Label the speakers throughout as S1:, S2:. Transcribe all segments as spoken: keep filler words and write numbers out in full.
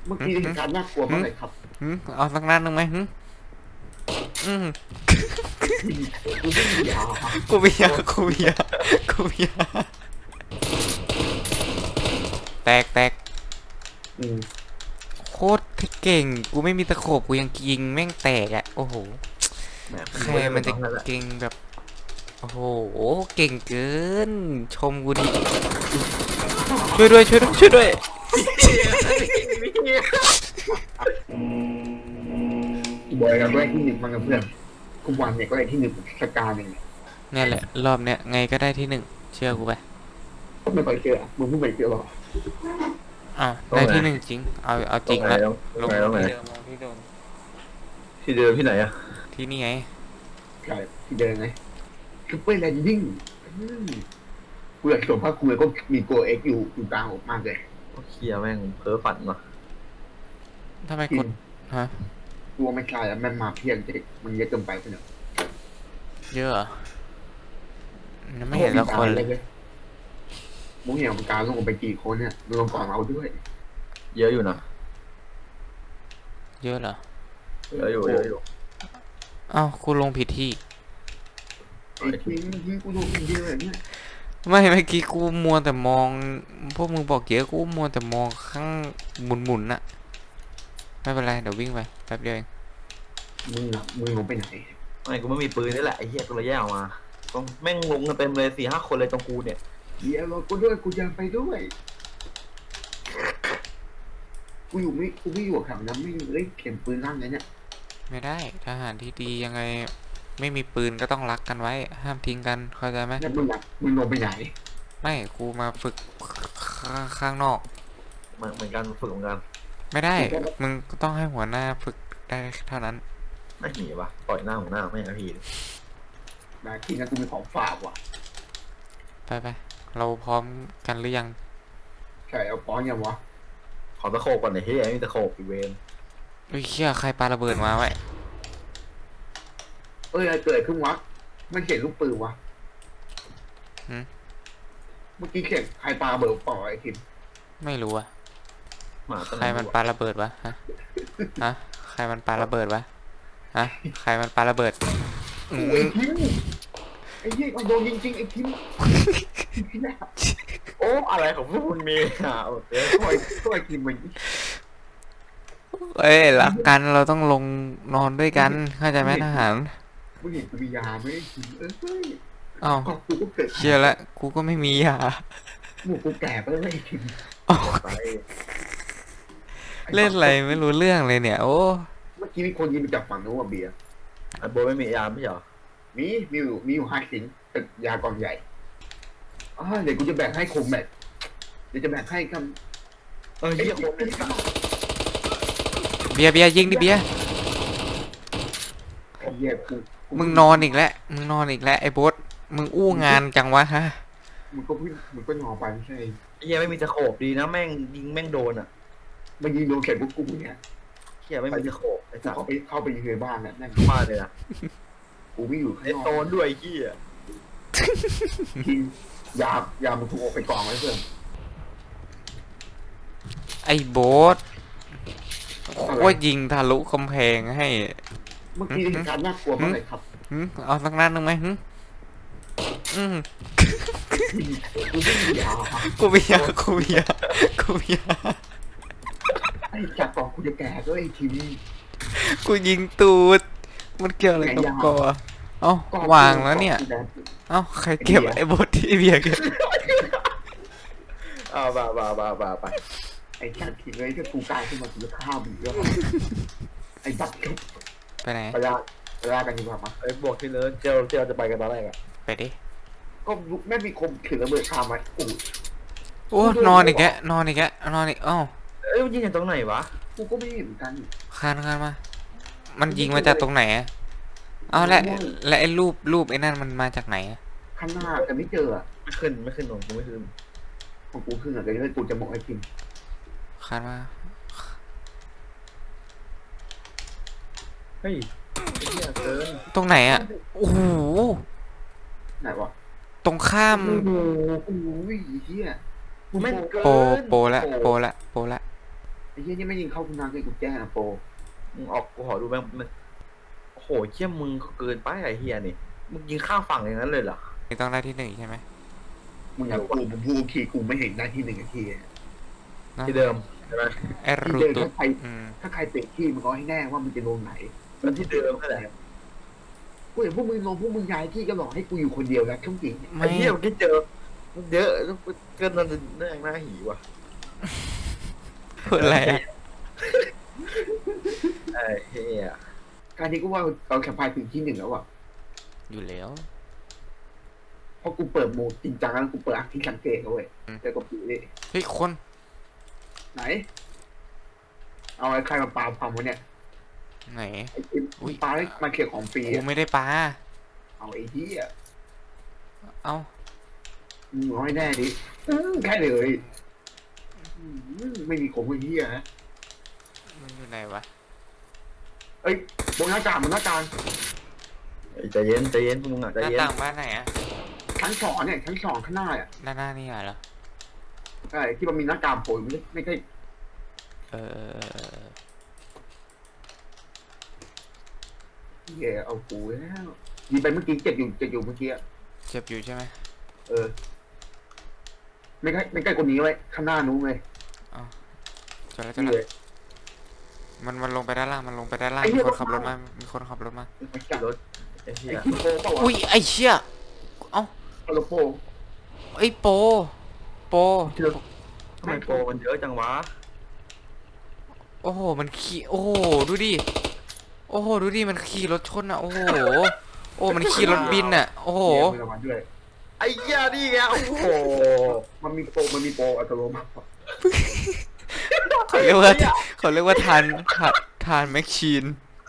S1: เมื่อกี้เหตุการณ์น่ากลัวมากเลยครับ
S2: หืมเอาสักนัดหนึ่งไหมหืมอืม
S1: กูไม่มียา
S2: กูเบียร์กูเบียร์กูเบียร์แตกแตก
S1: อืม
S2: โคตรเก่งกูไม่มีตะขบกูยังยิงแม่งแตกอ่ะโอ้โหใครมันจะเก่งแบบโอ้โหเก่งเกินชมกูดิช่วยด้วยช่วยด้วยช่วยด้วย
S1: บอยกับด้วยที่หนึ่งมันกับเพื่อนทุกวันเนี่ยก็ได้ที่หนึ่งสกาหนึ่ง
S2: เนี่ยแหละรอบเนี้ยไงก็ได้ที่หนึ่งเชื่อกูไป
S1: ไม่ค่อยเจอมึงเพิ่งไปเจอหรอ
S2: อ้าวได้ที่หนึ่งจริงเอาเอาจริงละลง
S3: ตรงไหน
S2: ที่เดิมลงที่เดิม
S3: ที่เดิมที่ไหนอะ
S2: ที่นี่ไง
S1: ใช่ที่เดินไงคือเป้ยแลนดิ้งกูอยากสวมผ้าคลุมแล้วก็มีโกเอ็กอยู่อยู่กลางออกมากเลย
S3: เคลียร์แม่งเพ้อฝันว่ะ
S2: ทำไมกดฮะ
S1: กลัวไม่ใช่แล้วมันมาเพียงเด็กมันเยอะเกินไปเนอะ
S2: เยอะเหรอยังไม่เห็นสักคนเลย
S1: มึงเห็นของการลงไปกี่คนเนี่ยรวมก่อนเราด้วย
S3: เยอะอยู่นะ
S2: เยอะเหรอ
S3: เยอะอยู่เยอะอยู่
S2: อ้าวกูลงผิดที่
S1: ไอ้ทิ้งทิ้งกูโดนเยอะเลยเนี่ย
S2: ไม่เมื่อกี้กูมัวแต่มองพวกมึงบอกเยอะกูมัวแต่มองข้างหมุนหมุนน่ะไม่เป็นไรเดี๋ยววิ่งไปแป๊บเดียวเอง
S1: มึงอะมึงลงไปไหน
S3: ไม่กูไม่มีปืนนี่แหละไอ้เหี้ยกูเลยแยกออกมาตรงแม่งลงกันเต็มเลยสี่ห้าคนเลยตรงกูเนี่ย
S1: เดี๋ยวรอกูด้วยกูจะไปด้วยกูอยู่ไม่กูไม่อยู่แถวนั้นไม่เอ้ยเข็มปืนลั่นเลยเนี่ย
S2: ไม่ได้ทหารที่ดียังไงไม่มีปืนก็ต้องรักกันไว้ห้ามทิ้งกันเข้าใจไหม
S1: แล้วมึงอะมึงลงไปไหน
S2: ไม่กูมาฝึกข้างข้างนอก
S3: เหมือนเหมือนกันฝึกเหมือนกัน
S2: ไม่ได้มึงก็ต้องให้หัวหน้าฝึกได้เท่านั้น
S3: ไม่หนีปะปล่อยหน้าของหน้าไม่นะพี่
S1: นะทีนั้นกูมีของฝากว่ะ
S2: ไปไปเราพร้อมกันหรือยัง
S1: ใช่เอาป้อนยังวะ
S3: ขอตะโขบก่อนหน่อยเฮ้ยไม่มีตะโขบอีเวน
S2: เฮ้ยเชี่ยใครปาระเบิดมาไว้
S1: เอ้ยอะไรเกิดขึ้นวะไม่เขียนลูกปืนวะเมื่อกี้เขียนใครปาเบิร์ปล่อยไอ้ทิม
S2: ไม่รู้อะ
S3: หมาตัว
S2: ใครมันปาระเบิดวะฮะฮะใครมันปาระเบิดวะฮะใครมันปาระเบิดอื
S1: โอ้ย
S2: ม
S1: ทิมไอ้เหี้ยมันโดนจริงๆไอ้ทิม
S3: โอ้อะไรของพวกคุณมีอ่ะโอเค
S1: ช่วยช่วยทิมมัน
S2: เอ้ยรักกันเราต้องลงนอนด้วยกันเข้าใจไหมทหาร
S1: มึงเห็นกูมียาไหมไอ้ทิมเอ้ย
S2: อ้าว
S1: ก็กูก็เกิด
S2: เชี่ยละกูก็ไม่มียา
S1: หมูกูแก่ไปแล้วไอ้ทิม
S3: ไป
S2: เล่นอะไรไม่รู้เรื่องเลยเนี่ยโอ้
S1: เมื่อกี้มีคนยิงมาจากฝั่งนู้นว่ะเบียร์
S3: ไอ้โบไม่มียามไม่ใช่เหรอ
S1: มีมีอยู่มีอยู่ห้าสิงเป็นยากองใหญ่อ่าเดี๋ยวกูจะแบ่งให้คมแบกเดี๋ยวจะแบ่งให้คำ
S3: เออเหี้ยคนเป็นสัตว์
S2: เบียร์เบียร์ยิงดิเบียร์
S1: ไอ้เหี้ยกูกู
S2: มึงนอนอีกแล้วมึงนอนอีกแล้วไอ้โบ๊ทมึงอู้งานจังวะฮะ
S1: มึงก็พี่มึงก็นอนไปไม่ใช่
S3: ไอ้เหี้ยไม่มีตะโขบดีนะแม่งยิงแม่งโดนอ่ะ
S1: มันยิงโดนแขนพวกกูเนี่ย
S3: เหี้ยไม่มีตะโขบไอ้
S1: กู
S3: สัตว์
S1: เข้าไปเข้าไปอยู่ในบ้านน่ะนั่น
S3: มาเลยนะ
S1: กูไม่อยู่ข้าง
S3: ไอ้
S1: นอก
S3: โดนด้วยไอ้เหี้ย
S1: ยิงยายามึงถูกออกไปกองไว้เพื่อน
S2: ไอ้โบ๊ทโคตรยิงทะลุกำแพงให้
S1: เมื่อกี้เหตุการณ์น่ากลัวมากเลยครับ
S2: หืมเอาสักนัดหนึ่งไหมหืมอืม
S1: กูไม่มียา
S2: กูเบียร์กูเบียร์กูเบียร์
S1: ไอ้จากกองกูจะแก่ด้วยไอ้ทีวี
S2: กูยิงตูดมันเกี่ยวอะไรกับกอเอ้าวางแล้วเนี่ยเอ้าใครเก็บไอ้โบ๊ทที่เบียร์เก็บ
S3: เอาบ่าบ่าบ่าบ่าไป
S1: ไอ้จัดทีเลยถ้ากูกลายขึ้นมากูจะฆ่ามึงแล้วไอ้จัด
S2: ไปไหน
S1: ไปลาไปลากันดีกว่ามั้ย
S3: ไอ้บวกที่เนิร์ดเจลที่เราจะไปกันตอนแรกอะ
S2: ไปดิ
S1: ก็ไม่มีคมถือระเบิดฆ่ามันโอ้
S2: โอ้นอนอีกแกนอนอีกแกนอนอีกเอ้า
S3: เอ้ยมันยิงจากตรงไหนวะ
S1: กูก็ไม่เห็นเหมือนกัน
S2: คานคานมา มันยิงมาจากตรงไหนอะเอ้าและและไอ้รูปรูปไอ้นั่นมันมาจากไหนอะ
S1: ข้างหน้าแต่ไม่เจออ่ะ
S3: ไม่ขึ้นไม่ขึ้นลงกูไม่ขึ้น
S1: ของกูขึ้นอ่ะเดี๋ยวกูจะบอกไอ้พิม
S2: คานมา
S3: เฮ้ยไอ้เหี้ยเกิน
S2: ตรงไหนอะโอ้โห
S1: ไหนวะ
S2: ตรงข้าม
S1: โอ้โหโอ้โหเฮีย
S3: แม่งเกิน
S2: โปโปละโปละโปละ
S1: ไอ้เหี้ยนี่ไม่ยิงเข้าคุณนาคือกูแจ้งนะโปร
S3: มึงออกกูขอดูแม่งมันโอ้โหเชี่ยมึงก็เกินไปไอ้เฮียนี่มึงยิงข้ามฝั่งอย่างนั้นเลยเหรอ
S2: ไม่ต้องได้ที่หนึ่งใช่ไหม
S1: มึงอยากกูผมพูดทีกูไม่เห็นได้ที่หนึ่งนาทีอะ
S2: นะ
S3: ที่เดิมใช่ไหม
S2: ไอ้
S1: ที่
S2: รู
S1: เดิม
S2: ตุ
S1: ถ้าใคร
S2: อืม
S1: ถ้าใครเตะที่มึงก็ให้แน่ว่ามึงจะลงไหน
S3: แล้วที่เดิมนั่นแหละ
S1: กูเห็นพวกมึงลงพวกมึงย้ายที่ก็หลอกให้กูอยู่คนเดียวแล้วช่วงจริง
S3: ไอ้เหี้ยเมื่อกี้เจอเยอะเกินนั่นเรื่องหน้าหีว่ะ
S2: พูดอะไรอะ
S3: ไอ้เหี้ย
S1: การนี้ก็ว่าเราแข่งพายถึงที่หนึ่งแล้วอ่ะ
S2: อยู่แล้ว
S1: เพราะกูเปิดโหมดจริงจังแล้วกูเปิดอักที่สังเกตเอาเว้ย
S2: อืม
S1: แต่ก็ปีนี่
S2: เฮ้ยคน
S1: ไหน เอาไอ้ใครมาปาความวะเนี่ย
S2: ไหน
S1: ไอ้กิน
S2: อุ๊ย
S1: ปาให้มาเขียของฟรี
S2: กู
S1: อะ
S2: ไม่ได้ปลา
S1: เอาไอ้ที่อ่ะ
S2: เอ้า
S1: มึงเอาให้แน่ดิอื้อแค่เลยอื้อไม่มีของไอ้ที่อ่ะ
S2: มันอยู่ไหนวะ
S1: เอ้ยบนหน้ากากบนหน้ากาก
S3: ไอ้ใจเย็นใจเย็นพวกมึงอ่ะ
S2: ห
S3: ใจ
S2: น้า
S3: เย็น
S2: ต่างบ้านไหนอะ
S1: ชั้นสองเนี่ยชั้นสองข้างหน้าอ่ะ
S2: หน้าหน้านี่เหรอ
S1: ใช่ที่มันมีหน้ากากโผล่ไม่ใช่ไม่ใช่
S2: เออเออเออเออ
S1: เหี้ยเอากูแล้วยิงไปเมื่อกี้เจ็บอยู่เจ็บอยู่เมื่อกี้อะ
S2: เจ็บอยู่ใช่ไหม
S1: เออ ไม่ใกล้ไม่ใกล้คนนี้ไว้ยข้างหน้านู้นเลย
S2: จอดแล้วจอด
S1: นี่
S2: แล้
S1: เล
S2: วย มันมันลงไปด้านล่างมันลงไปด้านล่าง
S1: ไอ้เหี้
S2: มี
S1: ย
S2: คนขับรถมามีคนขับรถมา
S1: มันจับ
S3: รถไอ้เหี้
S1: ไอ้
S3: ย
S1: คิโปเปล่าวะ
S2: อุ้ยไอ้เชี่ยเอ้า
S1: คาร์โลโป
S2: ไอ้โปโป
S3: ทำไมโปรมันเยอะจังวะ
S2: โอ้โหมันขี่โอ้โหดูดิโอ้โหดูดิมันขี่รถชนอ่ะโอ้โหโอ้มันขี่รถบินอ่ะโอ้โห
S1: มีรางวัลด้วย
S3: ไอ้เหี้ยนี่ไงโอ้โห
S1: มันมีโปรมันมีโปรอัตโนมัติ
S2: เขาเรียกว่าเขาเรียกว่าทานทานทานแมชชีน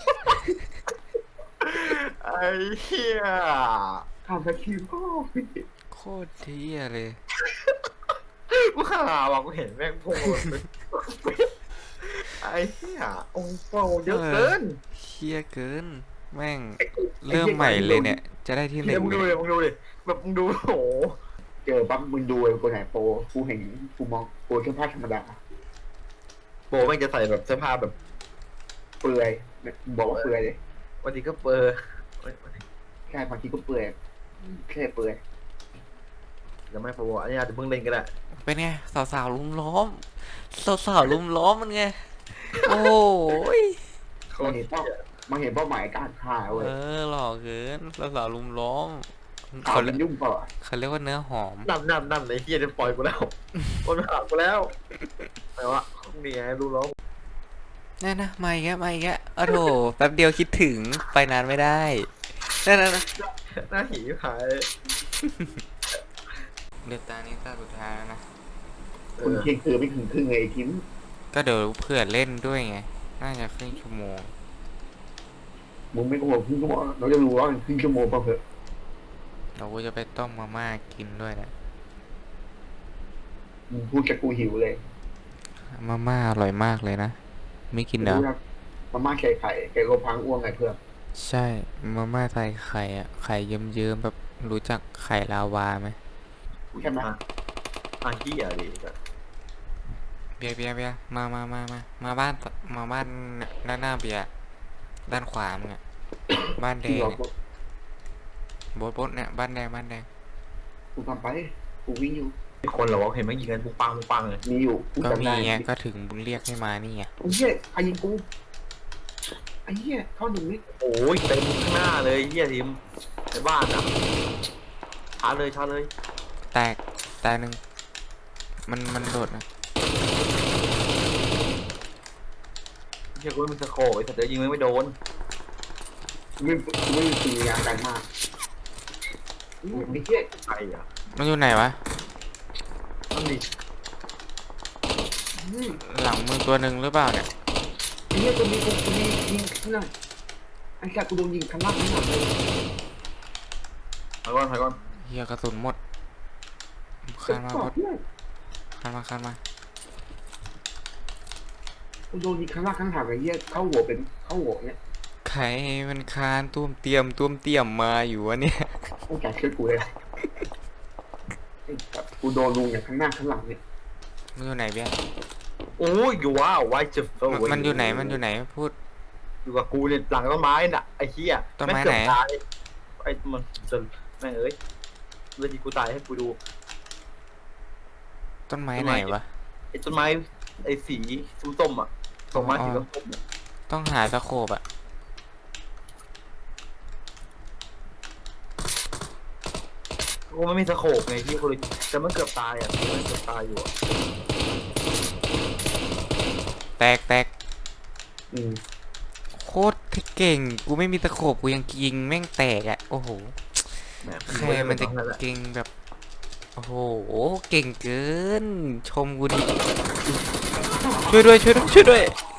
S3: ไอ้เหี้ย
S1: ทำแท็กซี่ก็
S2: โคตรเที่ยเลย
S3: กูข่าวอ่ะกูเห็นแม่งโผล่เป็นไอ้เหี้ยโอ้โหเยอะเกิน
S2: เที่ยเกินแม่งเริ่มใหม่เลยเนี่ย จะได้ที่หนึ่
S3: เดี๋ยว
S2: ง
S3: มึง
S2: เล
S3: ดู
S2: ย
S3: เลยมึงดูดิแบบมึงดูโอ้โห
S1: เจอปั๊บมึงดูไอ้คนไหนโปรกูเห็นกูมองโปรแค่ผ้าธรรมดา
S3: โปรแม่งจะใส่แบบเสื้อผ้าแบบ
S1: เปลือยบอกว่าเปลือยเลย
S3: วันนี้ก็เปอร์
S1: แค่บางทีก็เปลือยแค่เปลือย
S3: จะไม่โปรอันนี้อาจจะเพิ่งเล่นก็ได้
S2: เป็นไงสาวๆลุมล้อมสาวๆลุมล้อมมันไงโอ้ย
S1: มันเห็นเป้ามันเห็นเป้าหมายการฆ่าเว้ย
S2: เออหล่อเกินสาวๆลุมล้อม
S1: ข่าว
S2: เขา
S1: มั
S2: เรีย
S1: น
S2: ก
S1: ยุ่งเปล่าอะ
S2: เขาเรียกว่าเนื้อหอม
S3: นั่นนั่นนั่นไอ้เฮียจะปล่อยกูแล้วคนมาหากูแล้วแต่ว่านี่ไงรู้แล้ว
S2: นั่นนะมาอีกแล้วมาอีกแล้วโอ้โหแป๊บเดียวคิดถึงไปนานไม่ได้นั่นนะ
S3: หน้าหีหาย
S2: เดือดตานี้ตาสุดท้ายแล้วนะ
S3: เอ
S1: คุณ
S3: อ
S1: เพียงคือไม่ถึงครึ่งไงไอ้ทิม
S2: ก็เดี๋ยวเพื่อเล่นด้วยไง น่าจะครึ่งชั่วโมง
S1: มึงไม่โกหกครึ่งชั่วโมงเราจะรู้ว่ามันครึ่งชั่วโมงเปล่าเถอะ
S2: เราก็จะไปต้มมาม่ากินด้วยนะ
S1: มึงพูดกับกูหิวเลย
S2: มาม่าอร่อยมากเลยนะ ไม่กินเหรอ
S1: มาม่าไข่ไข่ไก่โลพังอ้วงไงเพื่อน
S2: ใช่ มาม่าใส่ไข่อะไข่เยิ้มๆแบบรู้จักไข่ลาวาไหม
S1: ใช่ไหม
S3: อ่ะเฮียดิ
S2: เบียร์เบียร์เบียร์มามามามามาบ้านมาบ้านด้านหน้าเบียร์ด้านขวามึงอะบ้านแด
S1: ที่
S2: ง
S1: เรา
S2: อะโบดโบดเนี่ยบ้านแดงบ้านแดง
S1: กูทำไปกูวิ่งอยู่
S3: มีคนเหรอวะเห็นมันยิงกันปุงปังปุงปังเลย
S1: มีอยู่กู
S2: ก็
S1: จำ
S2: มี
S1: ได้
S2: ไงก็ถึงเรียกให้มานี่ไง
S1: ไอ้เหี้ยใครยิงกูไอ้เหี้ยเข้าหนึ่งนิด
S3: โอ้ยเต็มข้างหน้าเลยเฮียทีมในบ้านอ่ะชาร์จเลยชาร์จเลย
S2: แตกแตกหนึ่งมันมันโดดนะ
S3: เฮียกูไม่มีสโคปไอ้สัตว์เดี๋ยวยิงไม่โดน
S1: ไม่ไม่มีปีงานการมากอืมไอ้เหี้ย
S3: ใครอ่ะ
S2: มันอยู่ไหนวะ
S3: นั่นดิ
S1: อืม
S2: หลังมึงตัวหนึ่งหรือเปล่าเนี่ย
S1: ไอ้เหี้ยตัวนี้กูกูยิงยิงข้างหน้าไอ้แกกูโดนยิงข้างล่างข้างหลังเลย
S3: ถอยก่อนถอยก่อน
S2: เฮียกระสุนหมดคานมา
S1: บ
S2: พ
S1: อ
S2: ด
S1: กเนี่ย
S2: คานมาคานมา
S1: กูโดนยิงข้างล่างข้างหลังไอ้เหี้ยเข้าหัวเป็นเข้าหัวเนี่ย
S2: ใครมันคานตุ้มเตรียมตุ้มเตรียมมาอยู่วะเนี่ย
S1: โอ้แกช่วยกูเลยไอ้สัตว์กูโดนลุงอย่างข้างหน้าข้างหลังเนี่ย
S2: มึงอยู่ไหนเบี้ย
S3: โอ้ยอยู่ว้าวไวจะเฟล
S2: มันมันอยู่ไหนมันอยู่ไหนพูด
S3: อยู่กับกูเนี่ยหลังต้นไม้น่ะไอ้เหี้ย
S2: ต้นไม้
S3: แงเกือบ
S2: ไหน
S3: ตายไอ้มันจะแม่งเอ้ยเวทีกูตายให้กูดู
S2: ต้นไม้
S3: ต้น
S2: ไหน
S3: ไม้
S2: วะ
S3: ไอ้ต้นไม้ไอ้สีส้มๆอ่ะต้นไม้สีส้มๆอะ
S2: ต้องหาสโคปอะ
S3: กูไม่มีสโคปไงที่กูเลยแต่มันเกือบตายอ่ะมันเกือบตายอยู่อ่ะ
S2: แตกแตก
S1: อืม
S2: โคตรเก่งกูไม่มีตะโขบกูยังยิงแม่งแตกอะโอ้โห
S3: แหม
S2: ใครมันจะเก่งแบบโอ้โหเก่งเกิน ชมกูดิช่วยด้วยช่วยด้วยช่วยด้วย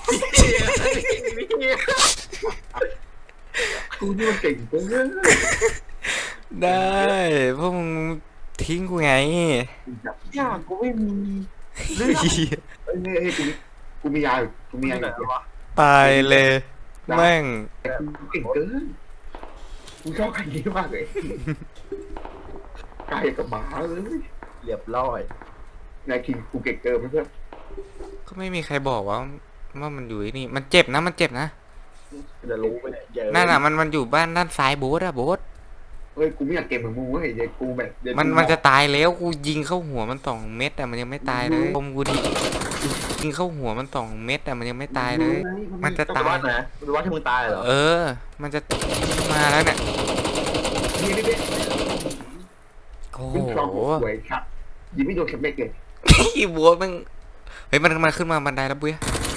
S1: กูนี่มันเก่งเกิน
S2: ได้พวกมึงทิ้งกูไง
S1: จับ
S3: ยากกูไม่มีเรื่อง
S1: เอ้ยเฮ้ยเฮ้ยกูมีกูมียาอยู่กูมี
S3: มี
S1: ยาอ
S3: ไหน
S1: ยู่
S3: วะ
S2: ตายเลยแม่ง
S1: แต่กูเก่งเกินกูชอบใครนี้มากเลยกายกับหมาเลย
S3: เรียบร้อย
S1: นายคิงกูเก่งเกินเพื่อน
S2: ก็ไม่มีใครบอกว่าว่ามันอยู่ที่นี่มันเจ็บนะมันเจ็บนะ
S3: จะรู้ไปเนี่ยเยอะ
S2: นั่นอ่ะมันมันอยู่บ้านด้านซ้ายโบ๊ทอะโบ๊ท
S1: เฮ้ยกูไม่อยากเก่งเหมือนมึงเว้ยเดี๋ยวกูแบบเดี๋ยว
S2: มัน
S1: กู
S2: มันจะตายแล้วกูยิงเข้าหัวมันสองเม็ดอะมันยังไม่ตายเลยชมกูดิยิงเข้าหัวมันสองเม็ดอะมันยังไม่ตายเลย มันจะ
S3: ต้อง
S2: ตา
S3: ไป
S2: ย
S3: วัดไหนไปวัดที่มึงตายเหรอ
S2: เออ มันจะมาแล้วเนี่ย
S1: นี่นี่นี่
S2: โอ้
S1: มึง
S2: โห
S1: ชอบสวยครับยิงไม่โดนสำเร็จเลย
S2: พี่บัวมันเฮ้ยมันมันขึ้นมาบันไดแล้วบุ้ย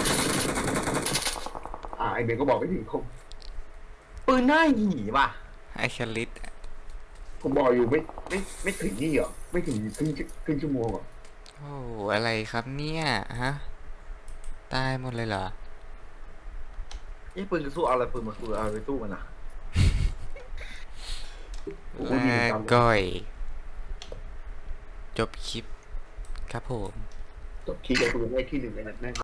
S1: อ่าไอเบนก็บอกไม่ถึงคง
S3: ปืนหน้าหีป่ะ
S2: ไอชลิต
S1: ผมบอกอยู่ไม่ไม่ไม่ถึงนี่หรอไม่ถึงครึ่งครึ่งชั่วโมงหรอ
S2: โอ้โหอะไรครับเนี่ยฮะตายหมดเลยเหรอ
S3: ยี่ปืนจะสู้เอาอะไรปืนมาสู้เอาไปสู้มันอ่ะ
S1: กูยิง
S2: ลา
S1: ตาม
S2: ก่อย จบคลิปครับผม
S1: จบคีย์เลยกูได้ที่หนึ่งเลยนะ